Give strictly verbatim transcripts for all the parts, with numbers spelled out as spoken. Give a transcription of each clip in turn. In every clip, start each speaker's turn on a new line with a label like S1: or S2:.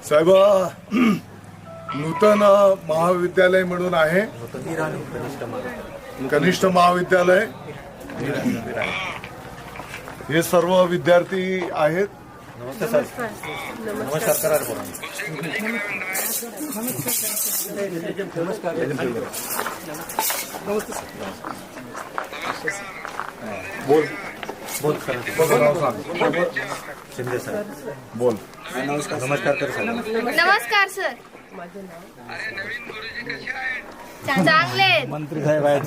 S1: साहेब नूतन महाविद्यालय म्हणून आहे, कनिष्ठ महाविद्यालय, हे सर्व विद्यार्थी आहेत.
S2: नमस्कार सर. नमस्कार करा.
S1: बोल
S2: बोल सर. शिंदे सर.
S1: बोल.
S2: नमस्कार. नमस्कार कर सर.
S3: नमस्कार सर.
S4: अरे नवीन गुरुजी कसे आहेत?
S3: चांगले आहेत.
S2: मंत्री साहेब आहेत.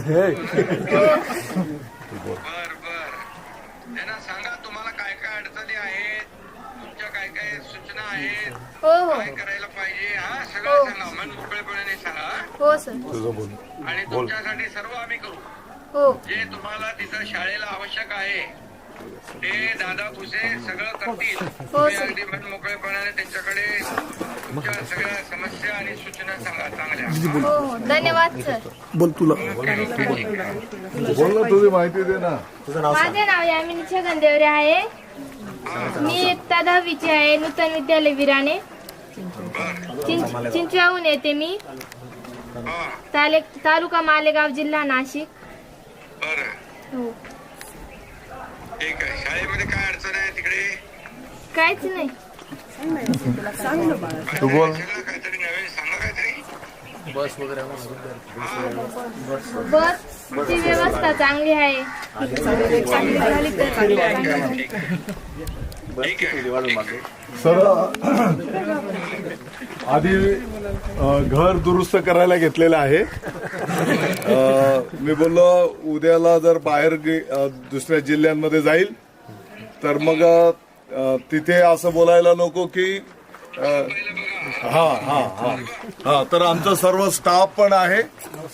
S4: बर बर त्यांना सांगा तुम्हाला काय काय अडचणी आहेत, तुमच्या काय काय सूचना आहेत,
S3: हो हो
S4: काय करायला पाहिजे, हा सगळं सांगा. मन मोकळेपणाने सांगा
S3: हो सर.
S1: तुझं बोल.
S4: आणि तुमच्यासाठी सर्व आम्ही करू.
S3: हो
S4: जे तुम्हाला तिथं शाळेला आवश्यक आहे ते दादा भुसे सगळं करतील. तुम्ही
S3: सर.
S4: अगदी मन मोकळेपणाने त्यांच्याकडे तुमच्या सगळ्या समस्या आणि सूचना सांगा चांगल्या.
S3: हो हो धन्यवाद सर.
S1: बोल तुला बोल ना, तुझी माहिती दे ना.
S2: तुझं नाव सांग.
S3: माझे नाव यामिनी छगन देवरे आहे. मी इयत्ता दहावीची आहे. नूतन विद्यालय विराणे, चिं- चिंचवाहून येते मी.
S4: हा
S3: ताले तालुका मालेगाव, जिल्हा नाशिक.
S4: बरं
S3: हो
S4: ठीक आहे. शाळेमध्ये काय अडचण आहे तिकडे?
S3: काहीच नाही.
S1: तू बोल.
S4: सगळं काहीतरी नवीन सांगा काहीतरी.
S2: बस वगैरे
S3: बसची व्यवस्था चांगली आहे. चांगली झाली तर चांगली आहे.
S4: ठीक आहे.
S1: सर आधी अ, घर दुरुस्त करायला घेतलेलं आहे. अ, मी बोललो उद्याला जर बाहेर गे- अ, दुसऱ्या जिल्ह्यांमध्ये जाईल तर मग अ, तिथे असं बोलायला नको की अ, हा हा हा हा तर आमचा सर्व स्टाफ पण आहे.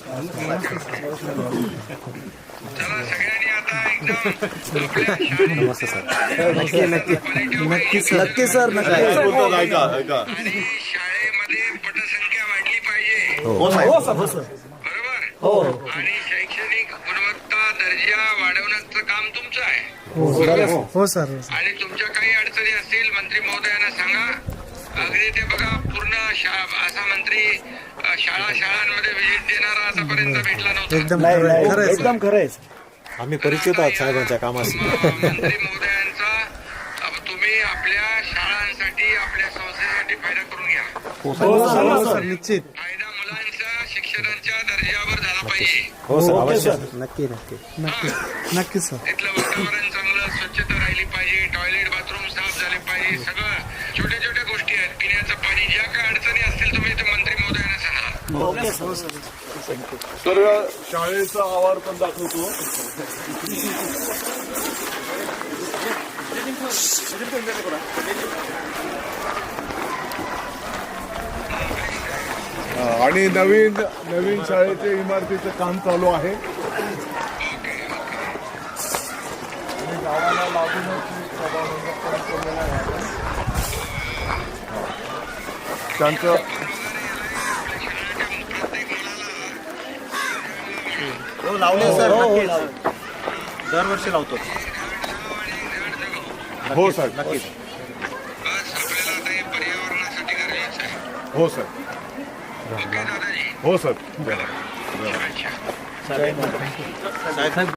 S4: चला सगळ्यांनी आता एकदम आपल्या शाळेत
S2: नमस्ते सर. नक्की नक्की नक्की सर. नक्की सर.
S1: काय बोलतात ऐका ऐका.
S4: आणि शाळेमध्ये पटसंख्या वाढली पाहिजे.
S2: हो साहेब. हो सर.
S4: बरोबर.
S2: हो
S4: आणि शैक्षणिक गुणवत्ता दर्जा वाढवण्याचं काम तुमचं आहे.
S2: हो सर.
S4: आणि तुमच्या काही अडचणी असतील मंत्री महोदयांना सांगा. अगदी ते बघा पूर्ण शा- असा मंत्री अ, शाळा शाळांमध्ये व्हिजिट देणारा आतापर्यंत भेटला नव्हता.
S2: एकदम खरं एकदम खरं आहे. आम्ही परिचित आहोत साहेबांच्या कामाशी.
S4: मंत्री महोदयांचा अ, तुम्ही आपल्या शाळांसाठी आपल्या संस्थेसाठी फायदा करून घ्या.
S2: हो सर. निश्चित.
S4: फायदा मुलांच्या शिक्षणाच्या दर्जावर झाला पाहिजे.
S2: हो सर. अवश्य. नक्की नक्की
S4: नक्की
S2: नक्की सर.
S4: तिथलं वातावरण चांगलं, स्वच्छता राहिली पाहिजे, टॉयलेट बाथरूम साफ झाले पाहिजे. सगळं छोट्या छोट्या गोष्टी आहेत. पिण्याचं पाणी, ज्या काय अडचणी असतील तुम्ही ते मंत्री महोदयांना सांगा.
S1: तर शाळेचा आवार पण दाखवतो. हा, आणि नवीन नवीन शाळेच्या इमारतीचं काम चालू आहे. आणि गावाला लागूनच सभामंडप पण केलेलं आहे आपण. त्यांचं
S2: हो लावले सर. नक्की दरवर्षी लावतो.
S1: हो साहेब.
S2: नक्कीच.
S4: बस आपल्याला आता हे पर्यावरणासाठी गरजेचं आहे.
S1: हो सर.
S4: ओके दादाजी.
S1: हो सर.
S4: अच्छा.
S2: साहेब